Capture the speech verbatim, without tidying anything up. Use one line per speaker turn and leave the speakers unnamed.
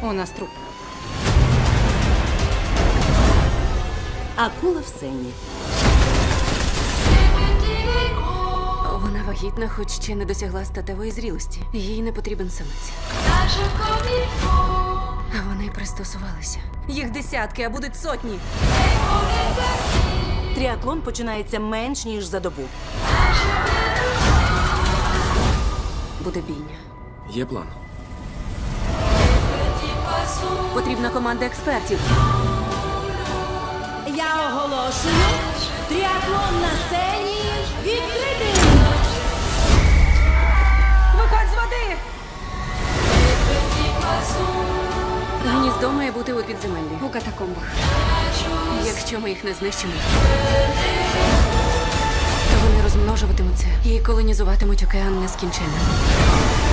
У нас труп.
Акула в сені.
Вона вагітна, хоч ще не досягла статевої зрілості. Їй не потрібен самець. А вони пристосувалися. Їх десятки, а будуть сотні.
Тріатлон починається менш ніж за добу.
Буде бійня.
Є план.
Потрібна команда експертів.
Я оголошую тріатлон на сцені відкритий!
Виходь з води! Гніздо має бути у підземеллі.
У катакомбах.
Якщо ми їх не знищимо, то вони розмножуватимуться і колонізуватимуть океан нескінченно.